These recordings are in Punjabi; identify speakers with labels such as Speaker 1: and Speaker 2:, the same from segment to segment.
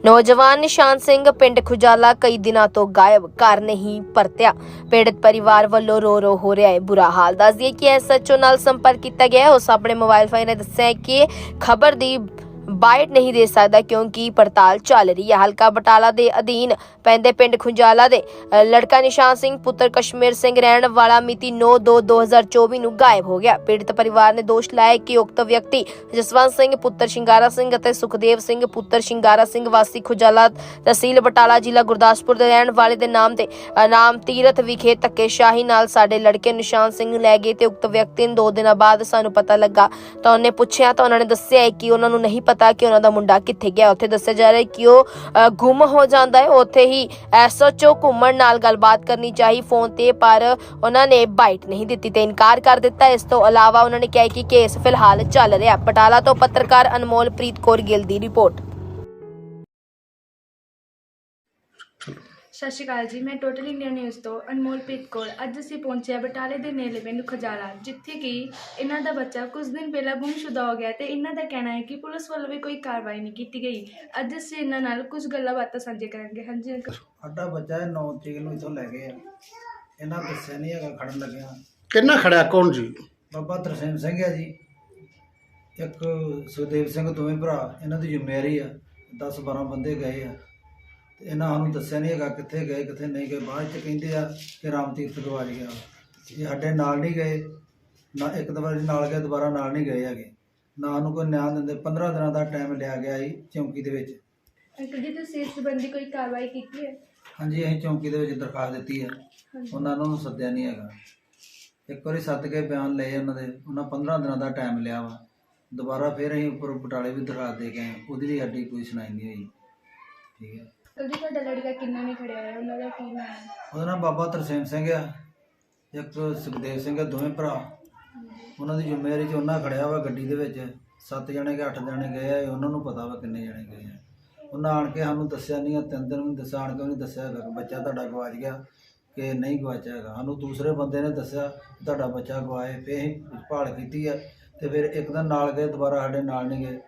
Speaker 1: ਨੌਜਵਾਨ ਨਿਸ਼ਾਨ ਸਿੰਘ ਪਿੰਡ ਖੁਜਾਲਾ ਕਈ ਦਿਨਾਂ ਤੋਂ ਗਾਇਬ, ਘਰ ਨਹੀਂ ਪਰਤਿਆ। ਪੀੜਤ ਪਰਿਵਾਰ ਵੱਲੋਂ ਰੋ ਹੋ ਰਿਹਾ ਹੈ ਬੁਰਾ ਹਾਲ। ਦੱਸ ਦਈਏ ਕਿ ਐਸਐਚਓ ਨਾਲ ਸੰਪਰਕ ਕੀਤਾ ਗਿਆ ਹੈ। ਉਸ ਆਪਣੇ ਮੋਬਾਈਲ ਫੋਨ ਨੇ ਦੱਸਿਆ ਹੈ ਕਿ ਖਬਰ ਦੀ ਬਾਈਟ नहीं दे सकता क्योंकि पड़ताल चल रही है। हल्का बटाला के अधीन पैंदे पिंड खुंजाला दे लड़का निशान सिंह पुत्र कश्मीर सिंह रहने वाला मिति 9/2/2024 ਨੂੰ गायब हो गया। पीड़ित परिवार ने दोष लाया कि उक्त व्यक्ति जसवंत सिंह पुत्र शिंगारा सिंह ਅਤੇ सुखदेव सिंह पुत्र शिंगारा सिंह वासी खुजाला तहसील बटाला ਜ਼ਿਲ੍ਹਾ ਗੁਰਦਾਸਪੁਰ ਦੇ ਰਹਿਣ ਵਾਲੇ ਦੇ ਨਾਮ ਤੀਰਥ ਵਿਖੇ ਧੱਕੇਸ਼ਾਹੀ ਨਾਲ ਸਾਡੇ ਲੜਕੇ ਨਿਸ਼ਾਨ ਸਿੰਘ ਨੂੰ ਲੈ ਗਏ ਤੇ ਉਕਤ ਵਿਅਕਤੀ ਨੂੰ 2 ਦਿਨਾਂ ਬਾਅਦ ਸਾਨੂੰ ਪਤਾ ਲੱਗਾ ਤਾਂ ਉਹਨੇ ਪੁੱਛਿਆ ਤਾਂ ਉਹਨਾਂ ਨੇ ਦੱਸਿਆ ਕਿ ਉਹਨਾਂ ਨੂੰ ਨਹੀਂ ਪਤਾ ਕਿ ਉਹਨਾਂ ਦਾ ਮੁੰਡਾ ਕਿੱਥੇ ਗਿਆ। ਉੱਥੇ ਦੱਸਿਆ ਜਾ ਰਿਹਾ ਕਿ ਉਹ ਗੁੰਮ ਹੋ ਜਾਂਦਾ ਹੈ। ਉੱਥੇ ਹੀ ਐਸਐਚਓ ਘੁੰਮਣ ਨਾਲ ਗੱਲਬਾਤ ਕਰਨੀ ਚਾਹੀ ਫੋਨ ਤੇ, ਪਰ ਉਹਨਾਂ ਨੇ ਬਾਈਟ ਨਹੀਂ ਦਿੱਤੀ ਤੇ ਇਨਕਾਰ ਕਰ ਦਿੱਤਾ। ਇਸ ਤੋਂ ਇਲਾਵਾ ਉਹਨਾਂ ਨੇ ਕਿਹਾ ਕਿ ਕੇਸ ਫਿਲਹਾਲ ਚੱਲ ਰਿਹਾ। ਬਟਾਲਾ ਤੋਂ ਪੱਤਰਕਾਰ ਅਨਮੋਲਪ੍ਰੀਤ ਕੌਰ ਗਿੱਲ ਦੀ ਰਿਪੋर्ट।
Speaker 2: ਸਤਿ ਸ਼੍ਰੀ ਅਕਾਲ ਜੀ, ਮੈਂ ਟੋਟਲ ਇੰਡੀਆ ਨਿਊਜ਼ ਤੋਂ ਅਨਮੋਲਪ੍ਰੀਤ ਕੌਰ। ਅੱਜ ਅਸੀਂ ਪਹੁੰਚੇ ਬਟਾਲੇ ਦੇ ਨੇੜੇ ਪਿੰਡ ਖੁਜਾਲਾ, ਜਿੱਥੇ ਕਿ ਇਹਨਾਂ ਦਾ ਬੱਚਾ ਕੁਝ ਦਿਨ ਪਹਿਲਾਂ ਗੁੰਮਸ਼ੁਦਾ ਹੋ ਗਿਆ ਤੇ ਇਹਨਾਂ ਦਾ ਕਹਿਣਾ ਹੈ ਕਿ ਪੁਲਿਸ ਵੱਲੋਂ ਵੀ ਕੋਈ ਕਾਰਵਾਈ ਨਹੀਂ ਕੀਤੀ ਗਈ। ਅੱਜ ਅਸੀਂ ਇਹਨਾਂ ਨਾਲ ਕੁਝ ਗੱਲਾਂ ਬਾਤਾਂ ਸਾਂਝੇ ਕਰਾਂਗੇ। ਹਾਂਜੀ ਅੰਕਲ।
Speaker 3: ਸਾਡਾ ਬੱਚਾ 9 ਤਰੀਕ ਨੂੰ ਇੱਥੋਂ ਲੈ ਗਏ ਆ। ਇਹਨਾਂ ਦੱਸਿਆ ਨਹੀਂ ਹੈਗਾ, ਖੜਨ ਲੱਗਿਆ।
Speaker 4: ਕਿੰਨਾ ਖੜਿਆ? ਕੌਣ ਜੀ?
Speaker 3: ਬਾਬਾ ਤਰਸੇਮ ਸਿੰਘ ਹੈ ਜੀ, ਇੱਕ ਸੁਖਦੇਵ ਸਿੰਘ, ਦੋਵੇਂ ਭਰਾ। ਇਹਨਾਂ ਦੀ ਜ਼ਿੰਮੇਵਾਰੀ ਆ। 10-12 ਬੰਦੇ ਗਏ ਆ ਤੇ ਇਹਨਾਂ ਸਾਨੂੰ ਦੱਸਿਆ ਨਹੀਂ ਹੈਗਾ ਕਿੱਥੇ ਗਏ ਕਿੱਥੇ ਨਹੀਂ ਗਏ। ਬਾਅਦ 'ਚ ਕਹਿੰਦੇ ਆ ਕਿ ਰਾਮ ਤੀਰਥ ਗਵਾਚ ਗਿਆ। ਇਹ ਸਾਡੇ ਨਾਲ ਨਹੀਂ ਗਏ ਨਾ, ਇੱਕ ਵਾਰੀ ਨਾਲ ਗਏ, ਦੁਬਾਰਾ ਨਾਲ ਨਹੀਂ ਗਏ ਹੈਗੇ। ਨਾ ਉਹਨੂੰ ਕੋਈ ਨਿਆਂ ਦਿੰਦੇ। 15 ਦਿਨਾਂ ਦਾ ਟਾਈਮ ਲਿਆ ਗਿਆ ਸੀ ਚੌਂਕੀ ਦੇ ਵਿੱਚ।
Speaker 2: ਅੰਕਲ ਜੀ, ਤੁਸੀਂ ਇਸ ਸੰਬੰਧੀ ਕੋਈ ਕਾਰਵਾਈ ਕੀਤੀ ਹੈ?
Speaker 3: ਹਾਂਜੀ, ਅਸੀਂ ਚੌਂਕੀ ਦੇ ਵਿੱਚ ਦਰਖਾਸਤ ਦਿੱਤੀ ਹੈ। ਉਹਨਾਂ ਨੂੰ ਸੱਦਿਆ ਨਹੀਂ ਹੈਗਾ। ਇੱਕ ਵਾਰੀ ਸੱਦ ਕੇ ਬਿਆਨ ਲਏ ਉਹਨਾਂ ਦੇ। ਉਹਨਾਂ 15 ਦਿਨਾਂ ਦਾ ਟਾਈਮ ਲਿਆ ਵਾ। ਦੁਬਾਰਾ ਫਿਰ ਅਸੀਂ ਉੱਪਰ ਬਟਾਲੇ ਵੀ ਦਰਖਾਸਤ ਦੇ ਕੇ ਆਏ। ਉਹਦੀ ਵੀ ਸਾਡੀ ਕੋਈ ਸੁਣਾਈ ਨਹੀਂ ਹੋਈ। ਠੀਕ ਹੈ।
Speaker 2: ਅੰਕਲ ਜੀ, ਤੁਹਾਡਾ ਲੜਕਾ ਕਿੰਨਾ ਨਹੀਂ ਖੜਿਆ ਹੋਇਆ, ਉਹਨਾਂ ਦਾ ਕੀ ਨਾਮ ਹੈ?
Speaker 3: ਉਹਦਾ ਨਾਮ ਬਾਬਾ ਤਰਸੇਮ ਸਿੰਘ ਆ, ਇੱਕ ਸੁਖਦੇਵ ਸਿੰਘ ਆ, ਦੋਵੇਂ ਭਰਾ। ਉਹਨਾਂ ਦੀ ਜ਼ਿੰਮੇਵਾਰੀ 'ਚ ਉਹਨਾਂ ਖੜਿਆ ਵਾ ਗੱਡੀ ਦੇ ਵਿੱਚ। 7 ਜਣੇ ਕਿ 8 ਜਣੇ ਗਏ ਆ, ਉਹਨਾਂ ਨੂੰ ਪਤਾ ਵਾ ਕਿੰਨੇ ਜਣੇ ਗਏ ਆ। ਉਹਨਾਂ ਆਣ ਕੇ ਸਾਨੂੰ ਦੱਸਿਆ ਨਹੀਂ ਆ। 3 ਦਿਨ ਵੀ ਦੱਸਿਆ, ਆਣ ਕੇ ਵੀ ਨਹੀਂ ਦੱਸਿਆ ਹੈਗਾ ਕਿ ਬੱਚਾ ਤੁਹਾਡਾ ਗਵਾਚ ਗਿਆ ਕਿ ਨਹੀਂ ਗਵਾਚਿਆ ਹੈਗਾ। ਸਾਨੂੰ ਦੂਸਰੇ ਬੰਦੇ ਨੇ ਦੱਸਿਆ ਤੁਹਾਡਾ ਬੱਚਾ ਗਵਾਏ। ਫਿਰ ਅਸੀਂ ਭਾਲ ਕੀਤੀ ਆ ਤੇ ਫਿਰ ਇੱਕ ਦਿਨ ਨਾਲ ਗਏ, ਦੁਬਾਰਾ ਸਾਡੇ ਨਾਲ ਨਹੀਂ ਗਏ।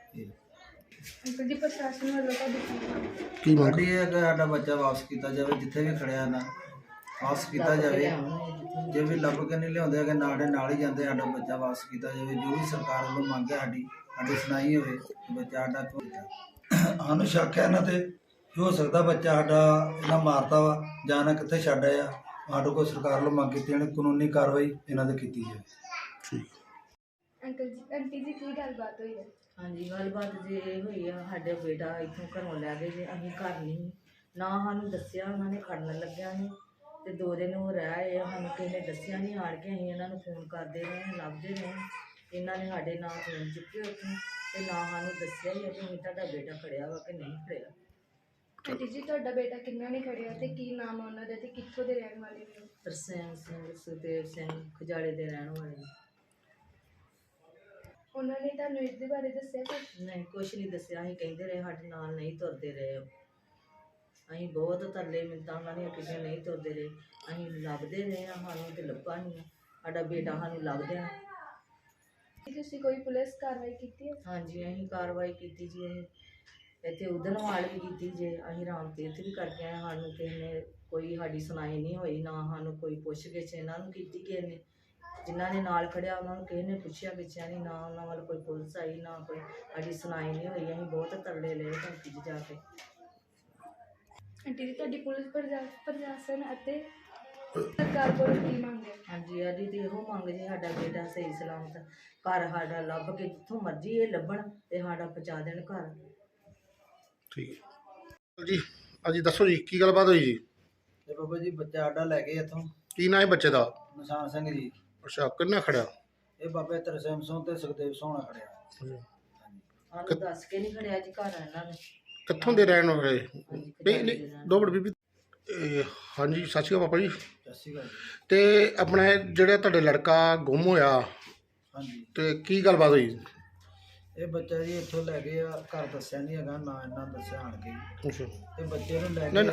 Speaker 2: ਅੰਕਲ ਜੀ, ਪ੍ਰਸ਼ਾਸਨ ਵੱਲੋਂ ਤੁਹਾਡੀ
Speaker 4: ਕੀ ਮੰਗ?
Speaker 3: ਸਾਡੀ ਇਹ ਹੈ ਕਿ ਸਾਡਾ ਬੱਚਾ ਵਾਪਸ ਕੀਤਾ ਜਾਵੇ। ਜਿੱਥੇ ਵੀ ਖੜਿਆ ਨਾ ਵਾਪਸ ਕੀਤਾ ਜਾਵੇ। ਜੇ ਵੀ ਲੱਭ ਕੇ ਨਹੀਂ ਲਿਆਉਂਦੇ ਹੈਗੇ, ਸਾਡੇ ਨਾਲ ਹੀ ਜਾਂਦੇ, ਸਾਡਾ ਬੱਚਾ ਵਾਪਸ ਕੀਤਾ ਜਾਵੇ। ਜੋ ਵੀ ਸਰਕਾਰ ਵੱਲੋਂ ਮੰਗ ਹੈ ਸਾਡੀ ਸੁਣਾਈ ਹੋਵੇ ਕਿ ਬੱਚਾ ਸਾਡਾ ਕਿਉਂ। ਸਾਨੂੰ ਸ਼ੱਕ ਹੈ ਇਹਨਾਂ ਤੇ ਹੋ ਸਕਦਾ ਬੱਚਾ ਸਾਡਾ ਇਹਨਾਂ ਮਾਰਤਾ ਵਾ ਜਾਂ ਇਹਨਾਂ ਕਿੱਥੇ ਛੱਡ ਆਇਆ। ਸਾਡੇ ਕੋਲ ਸਰਕਾਰ ਵੱਲੋਂ ਮੰਗ ਕੀਤੀ ਜਾਣੀ, ਕਾਨੂੰਨੀ ਕਾਰਵਾਈ ਇਹਨਾਂ ਤੇ ਕੀਤੀ ਜਾਵੇ।
Speaker 4: ਠੀਕ।
Speaker 2: ਅੰਕਲ ਜੀ, ਆਂਟੀ ਜੀ, ਕੀ ਗੱਲਬਾਤ ਹੋਈ ਹੈ?
Speaker 5: ਹਾਂਜੀ, ਗੱਲਬਾਤ ਜੇ ਹੋਈ ਆ, ਸਾਡਾ ਬੇਟਾ ਇੱਥੋਂ ਘਰੋਂ ਲੈ ਗਏ ਜੇ। ਅਸੀਂ ਘਰ ਨਹੀਂ ਨਾ, ਸਾਨੂੰ ਦੱਸਿਆ ਉਹਨਾਂ ਨੇ ਖੜਨ ਲੱਗਿਆ ਸੀ ਤੇ 2 ਦਿਨ ਉਹ ਰਹਿ ਆਏ ਆ। ਸਾਨੂੰ ਕਿਸੇ ਨੇ ਦੱਸਿਆ ਨਹੀਂ। ਆਣ ਕੇ ਅਸੀਂ ਇਹਨਾਂ ਨੂੰ ਫੋਨ ਕਰਦੇ ਰਹੇ, ਲੱਭਦੇ ਰਹੇ। ਇਹਨਾਂ ਨੇ ਸਾਡੇ ਨਾਂ ਫੋਨ ਚੁੱਕੇ ਉੱਥੋਂ ਤੇ ਨਾ ਸਾਨੂੰ ਦੱਸਿਆ ਹੀ ਆ ਕਿ ਤੁਹਾਡਾ ਬੇਟਾ ਖੜਿਆ ਵਾ ਕਿ ਨਹੀਂ ਖੜਿਆ।
Speaker 2: ਆਂਟੀ ਜੀ, ਤੁਹਾਡਾ ਬੇਟਾ ਕਿੰਨਾ ਨਹੀਂ ਖੜਿਆ ਤੇ ਕੀ ਨਾਮ ਆ ਉਹਨਾਂ ਦਾ ਤੇ ਕਿੱਥੋਂ ਦੇ ਰਹਿਣ ਵਾਲੇ ਨੇ?
Speaker 5: ਤਰਸੇਮ ਸਿੰਘ, ਸੁਖਦੇਵ ਸਿੰਘ, ਖੁਜਾਲੇ ਦੇ ਰਹਿਣ ਵਾਲੇ ਨੇ।
Speaker 2: ਉਹਨਾਂ ਨੇ ਤੁਹਾਨੂੰ ਇਸ ਦੇ ਬਾਰੇ ਦੱਸਿਆ ਕੁਛ?
Speaker 5: ਨਹੀਂ, ਕੁਛ ਨਹੀਂ ਦੱਸਿਆ। ਅਸੀਂ ਕਹਿੰਦੇ ਰਹੇ ਸਾਡੇ ਨਾਲ ਨਹੀਂ ਤੁਰਦੇ ਰਹੇ। ਅਸੀਂ ਬਹੁਤ ਤਰਲੇ ਮਿੰਨਤਾਂ ਉਹਨਾਂ ਦੀਆਂ ਕਿਸੇ ਨਹੀਂ ਤੁਰਦੇ ਰਹੇ। ਅਸੀਂ ਲੱਭਦੇ ਰਹੇ ਹਾਂ, ਸਾਨੂੰ ਤੇ ਲੱਭਾ ਨਹੀਂ ਆ। ਸਾਡਾ ਬੇਟਾ ਸਾਨੂੰ ਲੱਭਦਿਆਂ।
Speaker 2: ਤੁਸੀਂ ਕੋਈ ਪੁਲਿਸ ਕਾਰਵਾਈ ਕੀਤੀ ਹੈ?
Speaker 5: ਹਾਂਜੀ, ਅਸੀਂ ਕਾਰਵਾਈ ਕੀਤੀ ਜੀ। ਅਸੀਂ ਇੱਥੇ ਉਦਨਵਾਲ ਵੀ ਕੀਤੀ ਜੇ, ਅਸੀਂ ਰਾਮ ਤੀਰਥ ਵੀ ਕਰਕੇ ਆਏ। ਸਾਨੂੰ ਕਿਸੇ ਨੇ ਕੋਈ ਸਾਡੀ ਸੁਣਾਈ ਨਹੀਂ ਹੋਈ, ਨਾ ਸਾਨੂੰ ਕੋਈ ਪੁੱਛ ਗਿੱਛ ਇਹਨਾਂ ਨੂੰ ਕੀਤੀ ਕਿਸੇ ਨੇ। ਜਿਨ੍ਹਾਂ ਨੇ ਨਾਲ ਖੜਿਆ ਉਹਨਾਂ ਨੂੰ ਕਿਸੇ ਨੇ ਪੁੱਛਿਆ ਗਿੱਛਿਆ ਨਹੀਂ, ਨਾ ਉਹਨਾਂ ਵੱਲ ਕੋਈ ਪੁਲਿਸ ਆਈ, ਨਾ ਕੋਈ ਸਾਡੀ ਸੁਣਾਈ ਨਹੀਂ ਹੋਈ। ਅਸੀਂ ਬਹੁਤ ਤਰਲੇ ਲਏ ਚੌਂਕੀ 'ਚ ਜਾ ਕੇ।
Speaker 2: ਆਂਟੀ ਜੀ, ਤੁਹਾਡੀ ਪੁਲਿਸ ਪ੍ਰਸ਼ਾਸਨ ਅਤੇ ਸਰਕਾਰ ਕੋਲੋਂ ਕੀ ਮੰਗ ਹੈ?
Speaker 5: ਹਾਂਜੀ, ਸਾਡੀ ਤਾਂ ਇਹੋ ਮੰਗ ਜੀ, ਸਾਡਾ ਬੇਟਾ ਸਹੀ ਸਲਾਮਤ ਘਰ ਸਾਡਾ ਲੱਭ ਕੇ, ਜਿੱਥੋਂ ਮਰਜ਼ੀ ਇਹ ਲੱਭਣ ਤੇ ਸਾਡਾ ਪਹੁੰਚਾ ਦੇਣ ਘਰ।
Speaker 4: ਠੀਕ ਹੈ ਜੀ। ਹਾਂਜੀ, ਦੱਸੋ ਜੀ ਕੀ ਗੱਲਬਾਤ ਹੋਈ ਜੀ?
Speaker 3: ਤੇ ਬਾਬਾ ਜੀ, ਬੱਚਾ ਸਾਡਾ ਲੈ ਗਏ ਇੱਥੋਂ।
Speaker 4: ਕੀ ਨਾਂ ਹੈ ਬੱਚੇ ਦਾ?
Speaker 3: ਨਿਸ਼ਾਨ ਸਿੰਘ ਜੀ।
Speaker 4: ਅੱਛਾ, ਕਿੰਨਾ ਖੜਿਆ?
Speaker 3: ਇਹ ਬਾਬੇ ਤਰਸੇਮ ਸਿੰਘ ਤੇ ਸੁਖਦੇਵ ਸਿੰਘ ਨਾਲ ਖੜਿਆ।
Speaker 5: ਸਾਨੂੰ ਦੱਸ ਕੇ ਨਹੀਂ ਖੜਿਆ ਜੀ ਘਰ ਇਹਨਾਂ ਨੇ।
Speaker 4: ਕਿੱਥੋਂ ਦੇ ਰਹਿਣ ਵਾਲੇ?
Speaker 5: ਹਾਂਜੀ,
Speaker 4: ਨਹੀਂ ਨਹੀਂ, 2 ਮਿੰਟ ਬੀਬੀ। ਹਾਂਜੀ, ਸਤਿ ਸ਼੍ਰੀ ਅਕਾਲ ਪਾਪਾ ਜੀ।
Speaker 3: ਸਤਿ ਸ਼੍ਰੀ ਅਕਾਲ ਜੀ।
Speaker 4: ਤੇ ਆਪਣਾ ਜਿਹੜਾ ਤੁਹਾਡੇ ਲੜਕਾ ਗੁੰਮ ਹੋਇਆ
Speaker 3: ਹਾਂਜੀ,
Speaker 4: ਤੇ ਕੀ ਗੱਲਬਾਤ ਹੋਈ?
Speaker 3: ਇਹ ਬੱਚਾ ਜੀ ਇੱਥੋਂ ਲੈ ਗਏ ਆ। ਘਰ ਦੱਸਿਆ ਨਹੀਂ ਹੈਗਾ, ਨਾ ਇਹਨਾਂ ਦੱਸਿਆ ਆਣ ਕੇ।
Speaker 4: ਅੱਛਾ।
Speaker 3: ਤੇ ਬੱਚੇ ਨੂੰ ਲੈ
Speaker 4: ਨਹੀਂ
Speaker 3: ਕੇ